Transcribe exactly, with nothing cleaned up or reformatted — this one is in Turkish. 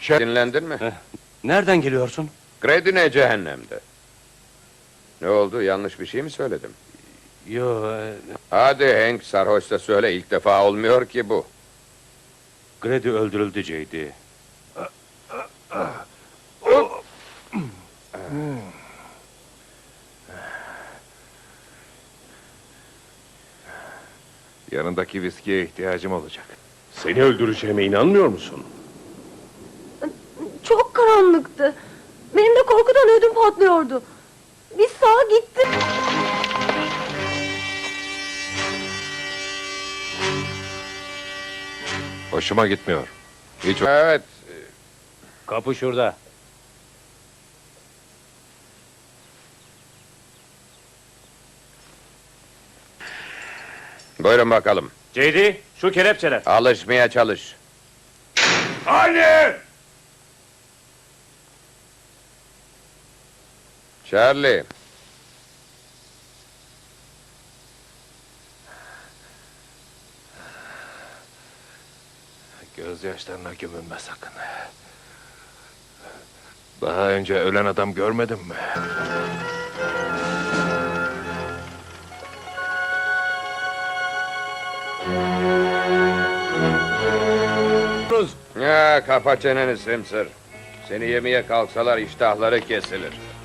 Şef... Dinlendin mi? Heh, nereden geliyorsun? Gredine cehennemde. Ne oldu? Yanlış bir şey mi söyledim? Yo, e, Hadi Hank, sarhoşta söyle. İlk defa olmuyor ki bu. Grady öldürüldü J D. Yanındaki viskiye ihtiyacım olacak. Seni öldüreceğime inanmıyor musun? Çok karanlıktı. Benim de korkudan ödüm patlıyordu. Bir sağa gittim. Hoşuma gitmiyor. Hiç... Evet. Kapı şurada. Buyurun bakalım. J D, şu kelepçeler. Alışmaya çalış. Anne! Charlie. Gözyaşlarına gömülme sakın. Daha önce ölen adam görmedin mi? Ya kapa çeneni Simsir. Seni yemeye kalksalar iştahları kesilir.